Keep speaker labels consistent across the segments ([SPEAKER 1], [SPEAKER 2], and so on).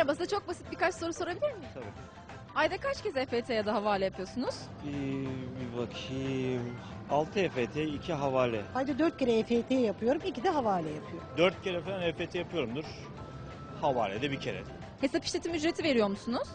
[SPEAKER 1] Merhaba, size çok basit birkaç soru sorabilir miyim?
[SPEAKER 2] Tabii.
[SPEAKER 1] Ayda kaç kez EFT ya da havale yapıyorsunuz?
[SPEAKER 2] Bir bakayım. 6 EFT, 2 havale.
[SPEAKER 3] Ayda 4 kere EFT yapıyorum, 2 de havale yapıyorum.
[SPEAKER 4] 4 kere falan EFT yapıyorumdur. Havalede bir kere.
[SPEAKER 1] Hesap işletim ücreti veriyor musunuz?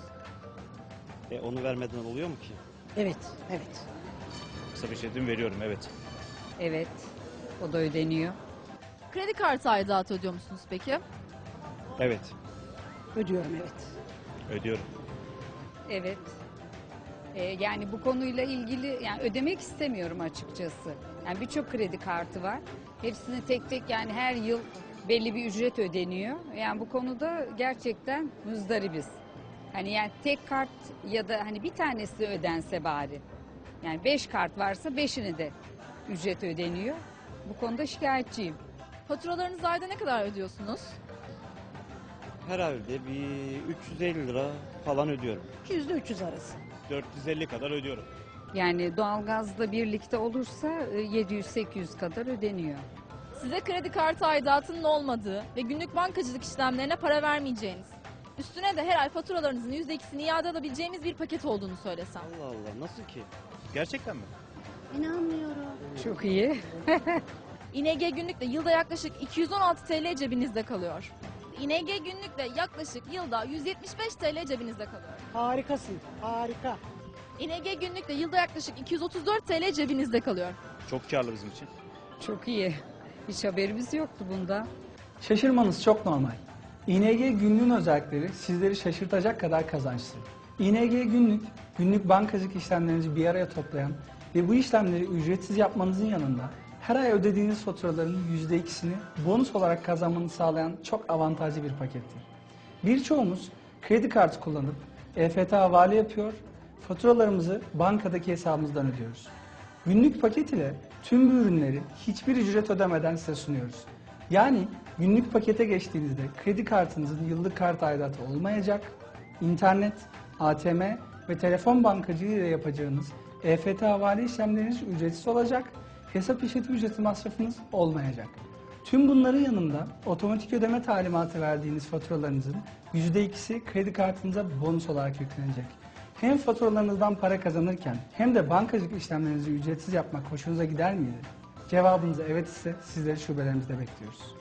[SPEAKER 2] Onu vermeden oluyor mu ki?
[SPEAKER 3] Evet, evet.
[SPEAKER 4] Kısa bir şeydim veriyorum, evet.
[SPEAKER 5] Evet, o da ödeniyor.
[SPEAKER 1] Kredi kartı aidatı ödüyor musunuz peki?
[SPEAKER 2] Evet.
[SPEAKER 3] Ödüyorum, evet.
[SPEAKER 4] Ödüyorum.
[SPEAKER 5] Evet. Yani bu konuyla ilgili yani ödemek istemiyorum açıkçası. Yani birçok kredi kartı var. Hepsini tek tek yani her yıl belli bir ücret ödeniyor. Yani bu konuda gerçekten muzdaribiz. Hani yani tek kart ya da hani bir tanesi ödense bari. Yani 5 kart varsa 5'ini de ücret ödeniyor. Bu konuda şikayetçiyim.
[SPEAKER 1] Faturalarınızı ayda ne kadar ödüyorsunuz?
[SPEAKER 2] Herhalde bir 350 lira falan ödüyorum.
[SPEAKER 3] 200 ile 300 arası.
[SPEAKER 4] 450 kadar ödüyorum.
[SPEAKER 5] Yani doğalgazla birlikte olursa 700-800 kadar ödeniyor.
[SPEAKER 1] Size kredi kartı aidatının olmadığı ve günlük bankacılık işlemlerine para vermeyeceğiniz, üstüne de her ay faturalarınızın %2'sini iade alabileceğimiz bir paket olduğunu söylesem.
[SPEAKER 2] Allah Allah, nasıl ki?
[SPEAKER 4] Gerçekten mi?
[SPEAKER 3] İnanmıyorum.
[SPEAKER 5] Çok iyi.
[SPEAKER 1] İNG günlükle yılda yaklaşık 216 TL cebinizde kalıyor. İNG günlükle yaklaşık yılda 175 TL cebinizde kalıyor.
[SPEAKER 3] Harikasın, harika.
[SPEAKER 1] İNG günlükle yılda yaklaşık 234 TL cebinizde kalıyor.
[SPEAKER 4] Çok karlı bizim için.
[SPEAKER 5] Çok iyi. Hiç haberimiz yoktu bundan.
[SPEAKER 6] Şaşırmanız çok normal. ING günlüğün özellikleri sizleri şaşırtacak kadar kazançlı. ING günlük, günlük bankacılık işlemlerinizi bir araya toplayan ve bu işlemleri ücretsiz yapmanızın yanında her ay ödediğiniz faturaların %2'sini bonus olarak kazanmanızı sağlayan çok avantajlı bir pakettir. Birçoğumuz kredi kartı kullanıp EFT havale yapıyor, faturalarımızı bankadaki hesabımızdan ödüyoruz. Günlük paket ile tüm bu ürünleri hiçbir ücret ödemeden size sunuyoruz. Yani günlük pakete geçtiğinizde kredi kartınızın yıllık kart aidatı olmayacak, internet, ATM ve telefon bankacılığı ile yapacağınız EFT havale işlemleriniz ücretsiz olacak, hesap işletim ücreti masrafınız olmayacak. Tüm bunların yanında otomatik ödeme talimatı verdiğiniz faturalarınızın %2'si kredi kartınıza bonus olarak yüklenecek. Hem faturalarınızdan para kazanırken hem de bankacılık işlemlerinizi ücretsiz yapmak hoşunuza gider miydi? Cevabınız evet ise sizleri şubelerimizde bekliyoruz.